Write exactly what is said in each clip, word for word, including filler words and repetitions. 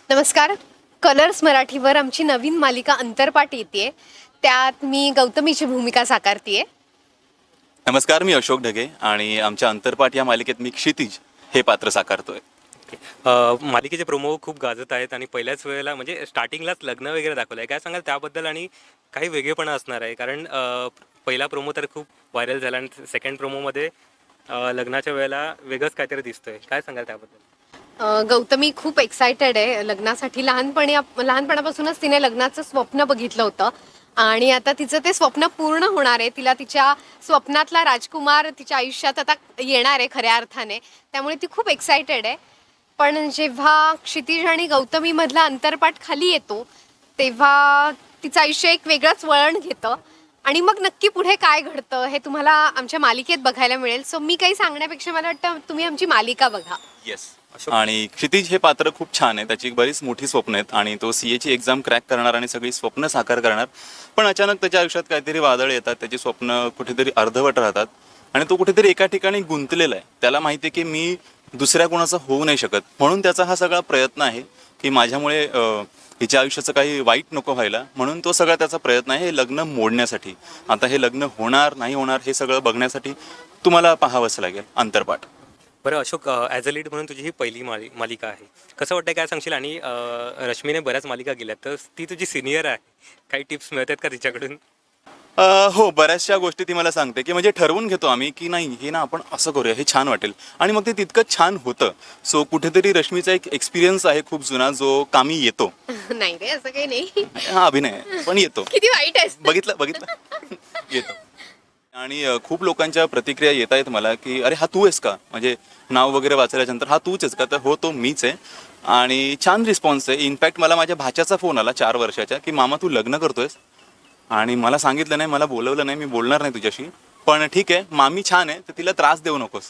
नमस्कार. कलर्स मराठीवर आमची नवीन मालिका अंतरपाठ येते. त्यात मी गौतमीची भूमिका साकारते. नमस्कार, मी अशोक ढगे आणि आमच्या अंतरपाठ या मालिकेत मी क्षितिज हे पात्र साकारतोय. अ, मालिकेचे प्रोमो खूप गाजत आहेत आणि पहिल्याच वेळेला म्हणजे स्टार्टिंगलाच लग्न वगैरे दाखवलं आहे. काय सांगाल त्याबद्दल? आणि काही वेगळेपणा असणार आहे कारण अ, पहिला प्रोमो तर खूप व्हायरल झाला आणि सेकंड प्रोमोमध्ये अ, लग्नाच्या वेळेला वेगळंच काहीतरी दिसतोय. काय सांगाल त्याबद्दल? अ, गौतमी खूप एक्सायटेड आहे लग्नासाठी. लहानपणी लहानपणापासूनच तिने लग्नाचं स्वप्न बघितलं होतं आणि आता तिचं ते स्वप्न पूर्ण होणार आहे. तिला तिच्या स्वप्नातला राजकुमार तिच्या आयुष्यात आता येणार आहे खऱ्या अर्थाने. त्यामुळे ती खूप एक्सायटेड आहे. पण जेव्हा क्षितिज आणि गौतमीमधला अंतरपाठ खाली येतो तेव्हा तिचं आयुष्य एक वेगळंच वळण घेतं आणि मग नक्की पुढे काय घडतं हे तुम्हाला आमच्या मालिकेत बघायला मिळेल. सो मी काही सांगण्यापेक्षा मला वाटतं तुम्ही आमची मालिका बघा. येस. आणि क्षितिज हे पात्र खूप छान आहे. त्याची बरीच मोठी स्वप्न आहेत आणि तो सी एची एक्झाम क्रॅक करणार आणि सगळी स्वप्न साकार करणार. पण अचानक त्याच्या आयुष्यात काहीतरी वादळ येतात. त्याची स्वप्न कुठेतरी अर्धवट राहतात आणि तो कुठेतरी एका ठिकाणी गुंतलेला आहे. त्याला माहिती आहे की मी दुसऱ्या कोणाचं होऊ नाही शकत, म्हणून त्याचा हा सगळा प्रयत्न आहे की माझ्यामुळे हिच्या आयुष्याचं काही वाईट नको व्हायला, म्हणून तो सगळा त्याचा प्रयत्न आहे हे लग्न मोडण्यासाठी. आता हे लग्न होणार नाही होणार हे सगळं बघण्यासाठी तुम्हाला पाहावंच लागेल अंतरपाठ. बरं अशोक, ॲज अ लीड म्हणून तुझी ही पहिली मालि मालिका आहे. कसं वाटतं, काय सांगशील? आणि अ, रश्मीने बऱ्याच मालिका केल्यात, तर ती तुझी सिनियर आहे. काही टिप्स मिळतात का तिच्याकडून? अ, हो, बऱ्याचशा गोष्टी ती मला सांगते की म्हणजे ठरवून घेतो आम्ही की नाही हे ना आपण असं करूया, हे छान वाटेल आणि मग ते तितकंच छान होतं. सो कुठेतरी रश्मीचा एक एक्सपिरियन्स आहे खूप जुना जो कामी येतो. नाही रे, असं काही नाही. हा अभिनय आहे, पण येतो. किती वाईट आहे. बघितलं बघितलं येतो. आणि अ, खूप लोकांच्या प्रतिक्रिया येत आहेत मला की अरे हा तू आहेस का, म्हणजे नाव वगैरे वाचल्यानंतर हा तूच आहेस का, तर हो तो मीच आहे. आणि छान रिस्पॉन्स आहे. इनफॅक्ट मला माझ्या भाच्याचा फोन आला चार वर्षाच्या की मामा तू लग्न करतोयस, आणि मला सांगितलं नाही, मला बोलवलं नाही, मी बोलणार नाही तुझ्याशी, पण ठीक आहे मामी छान आहे तर तिला त्रास देऊ नकोस.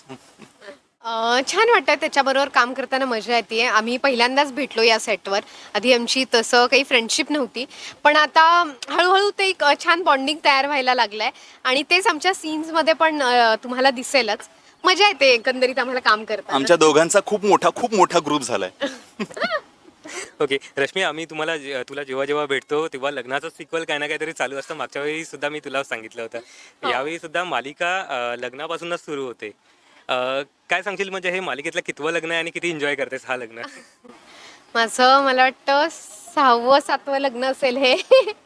अ, छान वाटतं त्याच्याबरोबर काम करताना. मजा येते. आम्ही पहिल्यांदाच भेटलो या सेटवर. आधी आमची तसं काही फ्रेंडशिप नव्हती, पण आता हळूहळू ते एक अ, छान बॉन्डिंग तयार व्हायला लागलं आहे आणि तेच आमच्या सीन्समध्ये पण अ, तुम्हाला दिसेलच. मजा येते एकंदरीत आम्हाला काम करताना. आमच्या दोघांचा खूप मोठा खूप मोठा ग्रुप झालाय. ओके रश्मी, आम्ही तुम्हाला जे- तुला जेव्हा जेव्हा भेटतो तेव्हा लग्नाचं सिक्वल काही ना काहीतरी चालू असतं. मागच्या वेळी सुद्धा मी तुला सांगितलं होतं. यावेळी सुद्धा मालिका अ, लग्नापासूनच सुरू होते. अ, काय सांगशील, म्हणजे हे मालिकेतलं कितवं लग्न आहे आणि किती एन्जॉय करतेस हा लग्न? माझं मला वाटतं सहावं सातवं लग्न असेल हे.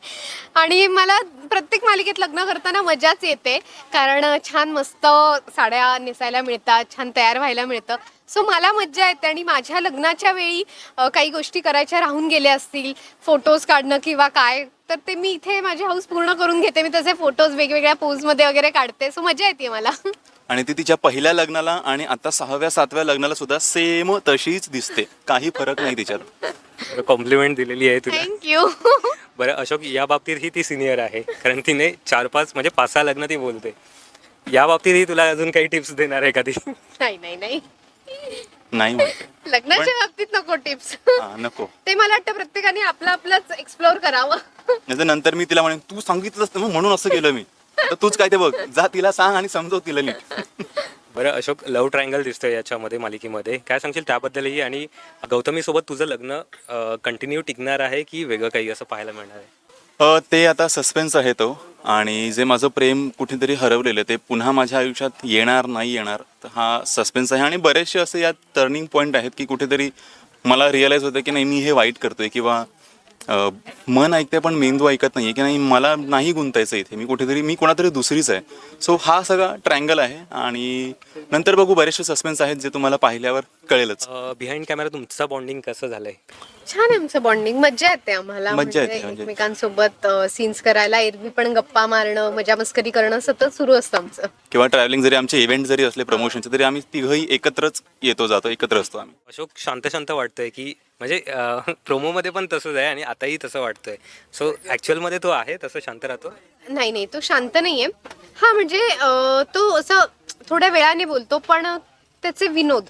आणि मला प्रत्येक मालिकेत लग्न करताना मजाच येते, कारण छान मस्त साड्या नेसायला मिळतात, छान तयार व्हायला मिळतं. सो मला मज्जा येते. आणि माझ्या लग्नाच्या वेळी अ, काही गोष्टी करायच्या राहून गेल्या असतील, फोटोज काढणं किंवा काय, तर ते मी इथे माझी हाऊस पूर्ण करून घेते. मी तसे फोटोज वेगवेगळ्या पोजमध्ये वगैरे काढते. सो मजा येते मला. आणि ती तिच्या पहिल्या लग्नाला आणि आता सहाव्या सातव्या लग्नाला सुद्धा सेम तशीच दिसते, काही फरक नाही तिच्यात. कॉम्प्लिमेंट दिलेली आहे तुला. थँक्यू. बरं अशोक, या बाबतीत ही ती सिनियर आहे कारण तिने चार पाच म्हणजे पाच सहा लग्न ती बोलते. या बाबतीत ही तुला अजून काही टिप्स देणार आहे का ती? नाही नाही नाही, नाही म्हणते. लग्नाच्या बाबतीत नको टिप्स. हा, नको. ते मला वाटतं प्रत्येकाने आपलं आपलंच एक्सप्लोअर करावं. नाहीतर नंतर मी तिला म्हणेन तू सांगितलंस ना म्हणून असं केलं मी, तर तूच काय ते बघ, जा तिला सांग आणि समजव तिला नीट. बरं अशोक, लव्ह ट्रायंगल दिसतोय याच्यामध्ये मालिकेमध्ये, काय सांगशील त्याबद्दलही? आणि गौतमीसोबत तुझं लग्न कंटिन्यू टिकणार आहे की वेगळं काही असं पाहायला मिळणार आहे? अ, ते आता सस्पेन्स आहे तो. आणि जे माझं प्रेम कुठेतरी हरवलेलं ते पुन्हा माझ्या आयुष्यात येणार नाही येणार, तर हा सस्पेन्स आहे. आणि बरेचसे असे यात टर्निंग पॉईंट आहेत की कुठेतरी मला रिअलाईज होतं की नाही मी हे वाईट करतोय, किंवा अ, मन ऐकते पण मेंदू ऐकत नाही, की नाही मला नाही गुंतायचं इथे, मी कुठेतरी मी कोणातरी दुसरीच आहे. सो हा सगळा ट्रँगल आहे. आणि नंतर बघू, बरेचसे सस्पेन्स आहेत जे तुम्हाला पाहिल्यावर कळेलच. बिहाइंड कॅमेरा तुमचं बॉन्डिंग कसं झालंय? छान आहे आमचं बॉन्डिंग. मज्जा येते आम्हाला मज्जा म्हणजे येते, म्हणजे. एकमेकांसोबत सीन्स करायला. एरवी पण गप्पा मारणं, मजा मस्करी करणं सतत सुरू असतं आमचं. किंवा ट्रॅव्हलिंग जरी आमचे इव्हेंट जरी असले प्रमोशनचे, तरी आम्ही तिघही एकत्रच येतो जातो, एकत्र असतो आम्ही. अशोक, शांत शांत वाटतंय की म्हणजे प्रोमोमध्ये पण तसंच आहे आणि आताही तसं वाटतंय. सो ॲक्च्युअलमध्ये तो आहे तसं शांत राहतो? नाही नाही, तो शांत नाहीये. हा म्हणजे अं, तो असं थोड्या वेळाने बोलतो, पण त्याचे विनोद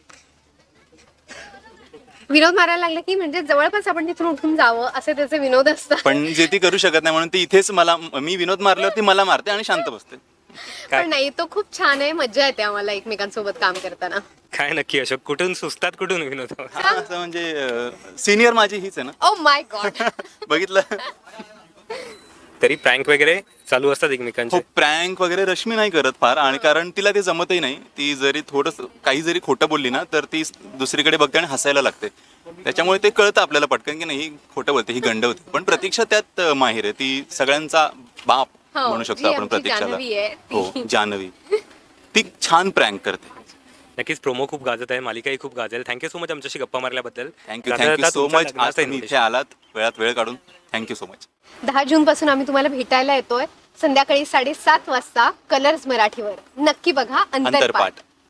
विनोद मारायला लागले की म्हणजे जवळपास आपण तिथून उठून जावं असे त्याचे विनोद असतात. पण जे ती करू शकत नाही म्हणून ती इथेच मला, मी विनोद मारल्यावर ती मला मारते आणि शांत बसते. काय? पण नाही, तो खूप छान आहे, मजा येते आम्हाला एकमेकांसोबत काम करताना. काय नक्की अशोक, कुठून सुचतात कुठून विनोद? हा, असं म्हणजे सिनियर माझी हीच आहे ना. Oh my god. बघितलं. तरी प्रँक वगैरे चालू असतात हो, एकमेकांचे. प्रँक वगैरे रश्मी नाही करत फार, आणि कारण तिला ते जमतही नाही. ती जरी थोडंसं काही जरी खोटं बोलली ना तर ती दुसरीकडे बघते आणि हसायला लागते. त्याच्यामुळे ते कळतं आपल्याला पटकन की नाही ही खोटं बोलते, ही गंड होती. पण प्रतीक्षा त्यात अं, माहिर आहे. ती सगळ्यांचा बाप हो, म्हणू जी शकतो आपण आमची प्रतीक्षाला. जान्हवी आहे ती. हो, जान्हवी. ती छान प्रँक करते. नक्कीच प्रोमो खूप गाजत आहे, मालिकाही खूप गाजेल. थँक्यू सो मच आमच्याशी गप्पा मारल्याबद्दल. थँक्यू जाता थँक्यू जाता सो तुमच्या मच. आज लग्नाचं तुम्ही इथे invitation. आलात वेळात वेळ काढून. Thank you so much. दहा जून पासून आम्ही तुम्हाला भेटायला येतोय संध्याकाळी साडेसात वाजता कलर्स मराठीवर. नक्की बघा अंतरपाठ. अंतरपाठ.